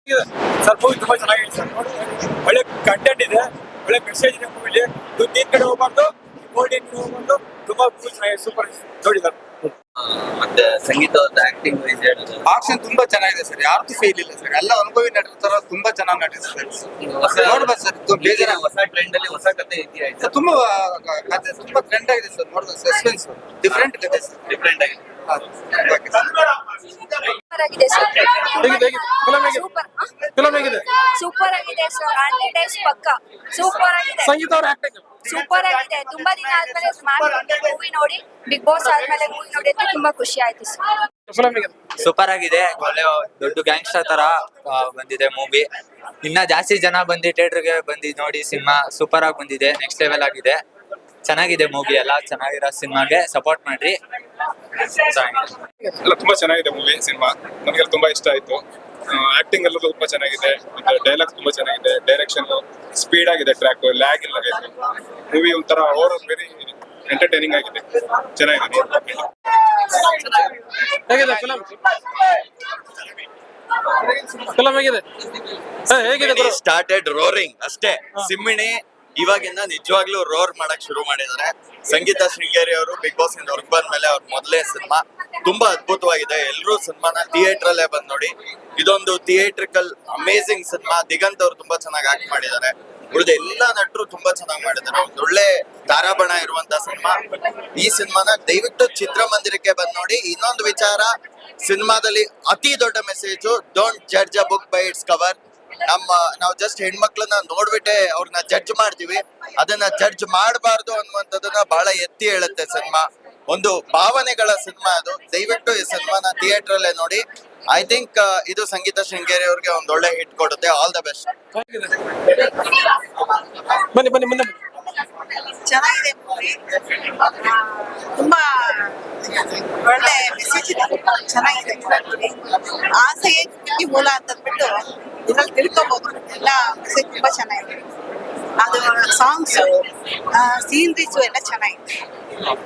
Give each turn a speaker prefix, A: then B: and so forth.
A: Sir movie ತುಂಬಾ ಚೆನ್ನಾಗಿದೆ sir. ಒಳ್ಳೆ ಕಂಟೆಂಟ್ ಇದೆ, ಒಳ್ಳೆ ಮೆಸೇಜ್ ಇದೆ ಮೂವಿಲಿ. ದುಡ್ಡಿನ ಕಡೆ ಹೋಗ್ಬಾರ್ದು, ಗೋಲ್ಡಿನ ಕಡೆ ಹೋಗ್ಬಾರ್ದು. ತುಂಬಾ ಮೂವಿ ಚೆನ್ನಾಗಿದೆ, ಸೂಪರ್ ನೋಡಿ ಸರ್.
B: ಮತ್ತೆ ಸಂಗೀತ ಆಕ್ಟಿಂಗ್
C: ಆಕ್ಷನ್ ತುಂಬಾ ಚೆನ್ನಾಗಿದೆ ಸರ್. ಯಾರ್ದು ಫೇಲ್ ಇಲ್ಲ ಸರ್. ಎಲ್ಲ ಅನುಭವಿ ನಟರ ತರ ತುಂಬಾ ಚೆನ್ನಾಗಿ ನಟಿಸ್ತಾರೆ. ನೋಡ್ಬೋದು ಸರ್. ಬೇಜಾರ
B: ಹೊಸ ಟ್ರೆಂಡ್ ಅಲ್ಲಿ ಹೊಸ ಕತೆ ಇತಿಹಾಸ
C: ತುಂಬಾ ಕಥೆ ತುಂಬಾ ಟ್ರೆಂಡ್ ಆಗಿದೆ ಸರ್. ನೋಡ್ಬೋದು, ಸಸ್ಪೆನ್ಸ್ ಡಿಫ್ರೆಂಟ್ ಕತೆ ಸರ್.
B: ಡಿಫ್ರೆಂಟ್ ಆಗಿ
D: ಆಗಿದೆ ಸರ್.
A: ಫಿಲಂ ಹೇಗಿದೆ?
D: ಸೂಪರ್ ಆಗಿದೆ ಸರ್. 100 ಡೇಸ್ ಪಕ್ಕ ಸೂಪರ್ ಆಗಿದೆ.
A: ಸಂಗೀತ ಅವ್ರ ಆಕ್ಟಿಂಗ್
D: ಸೂಪರ್ ಆಗಿದೆ. ತುಂಬಾ ದಿನ ಆದ್ಮೇಲೆ ಮೂವಿ ನೋಡಿ, ಬಿಗ್ ಬಾಸ್ ಆದ್ಮೇಲೆ ಮೂವಿ ನೋಡಿ ಅಂತ ತುಂಬಾ ಖುಷಿ ಆಯ್ತು ಸರ್.
A: ಫಿಲಂ ಹೇಗಿದೆ?
E: ಸೂಪರ್ ಆಗಿದೆ. ಒಳ್ಳೆ ದೊಡ್ಡ ಗ್ಯಾಂಗ್ಸ್ಟರ್ ತರ ಬಂದಿದೆ ಮೂವಿ. ಇನ್ನ ಜಾಸ್ತಿ ಜನ ಬಂದು ಥಿಯೇಟರ್ಗೆ ಬಂದು ನೋಡಿ ಸಿನಿಮಾ ಸೂಪರ್ ಆಗಿ ಬಂದಿದೆ. ನೆಕ್ಸ್ಟ್ ಲೆವೆಲ್ ಆಗಿದೆ. ಚೆನ್ನಾಗಿದೆ ಮೂವಿ. ಎಲ್ಲ ಚೆನ್ನಾಗಿರೋ ಸಿನಿಮಾಗೆ ಸಪೋರ್ಟ್ ಮಾಡ್ರಿ.
F: ಎಲ್ಲ ತುಂಬಾ ಚೆನ್ನಾಗಿದೆ ಮೂವಿ ಸಿನಿಮಾ. ನನಗೆಲ್ಲ ತುಂಬಾ ಇಷ್ಟ ಆಯ್ತು. ಆಕ್ಟಿಂಗ್ ಎಲ್ಲ ತುಂಬಾ ಚೆನ್ನಾಗಿದೆ, ಡೈಲಾಗ್ಸ್ ತುಂಬಾ ಚೆನ್ನಾಗಿದೆ, ಡೈರೆಕ್ಷನ್ ಸ್ಪೀಡ್ ಆಗಿದೆ, ಟ್ರ್ಯಾಕ್ ಲ್ಯಾಗ್ ಇಲ್ಲ. ಮೂವಿ ಒಂಥರ ಓವರ್ ವೆರಿ ಎಂಟರ್ಟೈನಿಂಗ್ ಆಗಿದೆ, ಚೆನ್ನಾಗಿದೆ.
A: ಹೇಗಿದೆ ಫಿಲಂ? ಫಿಲಂ ಹೇಗಿದೆ? ಹೇಗಿದೆ?
B: ಸ್ಟಾರ್ಟೆಡ್ ರೋರಿಂಗ್ ಅಷ್ಟೇ. ಸಿಮ್ಮಿಣಿ ಇವಾಗಿಂದ ನಿಜವಾಗ್ಲೂ ರೋರ್ ಮಾಡಕ್ ಶುರು ಮಾಡಿದ್ದಾರೆ. ಸಂಗೀತ ಶೃಂಗೇರಿ ಅವರು ಬಿಗ್ ಬಾಸ್ ಇಂದ ಹೊರಗೆ ಬಂದ್ಮೇಲೆ ಅವ್ರ ಮೊದಲೇ ಸಿನಿಮಾ ತುಂಬಾ ಅದ್ಭುತವಾಗಿದೆ. ಎಲ್ಲರೂ ಸಿನಿಮಾನ ಥಿಯೇಟರ್ ಅಲ್ಲೇ ಬಂದ್ ನೋಡಿ. ಇದೊಂದು ಥಿಯೇಟ್ರಿಕಲ್ ಅಮೇಸಿಂಗ್ ಸಿನಿಮಾ. ದಿಗಂತ್ ಅವರು ತುಂಬಾ ಚೆನ್ನಾಗಿ ಆಕ್ಟ್ ಮಾಡಿದ್ದಾರೆ. ಉಳಿದ ಎಲ್ಲಾ ನಟರು ತುಂಬಾ ಚೆನ್ನಾಗಿ ಮಾಡಿದ್ದಾರೆ. ಒಂದು ಒಳ್ಳೆ ತಾರಾಬಣ ಇರುವಂತ ಸಿನಿಮಾ. ಈ ಸಿನಿಮಾನ ದಯವಿಟ್ಟು ಚಿತ್ರಮಂದಿರಕ್ಕೆ ಬಂದ್ ನೋಡಿ. ಇನ್ನೊಂದು ವಿಚಾರ, ಸಿನಿಮಾದಲ್ಲಿ ಅತಿ ದೊಡ್ಡ message, don't judge a book by its cover. ನಾವು ಜಸ್ಟ್ ಹೆಣ್ಮಕ್ಳನ್ನ ನೋಡ್ಬಿಟ್ಟೆ ಅವ್ರನ್ನ ಜಡ್ಜ್ ಮಾಡ್ತೀವಿ. ಅದನ್ನ ಜಡ್ಜ್ ಮಾಡಬಾರ್ದು ಅನ್ನುವಂಥದ್ದನ್ನ ಬಹಳ ಎತ್ತಿ ಹೇಳುತ್ತೆ ಸಿನಿಮಾ. ಒಂದು ಭಾವನೆಗಳ ಸಿನಿಮಾ ಅದು. ದಯವಿಟ್ಟು ಈ ಸಿನಿಮಾನ ಥಿಯೇಟರ್ ಅಲ್ಲೇ ನೋಡಿ. ಐ ಥಿಂಕ್ ಇದು ಸಂಗೀತ ಶೃಂಗೇರಿ ಅವ್ರಿಗೆ ಒಂದ್ ಒಳ್ಳೆ ಹಿಟ್ ಕೊಡುತ್ತೆ. All the best.
A: ಬನ್ನಿ ಬನ್ನಿ ಮುಂದೆ.
G: ಚೆನ್ನಾಗಿದೆ ಮೂವಿ. ತುಂಬಾ ಒಳ್ಳೆ ಮೆಸೇಜ್ ಇದೆ, ಚೆನ್ನಾಗಿದೆ. ಆಸೆ ಕೃತಿ ಮೂಲ ಅಂತ ಅಂದ್ಬಿಟ್ಟು ಇದ್ರಲ್ಲಿ ತಿಳ್ಕೊಬಹುದು. ಎಲ್ಲ ಮೆಸೇಜ್ ತುಂಬಾ ಚೆನ್ನಾಗಿದೆ. ಅದು ಸಾಂಗ್ಸ್, ಸೀನರೀಸು ಎಲ್ಲ ಚೆನ್ನಾಗಿದೆ.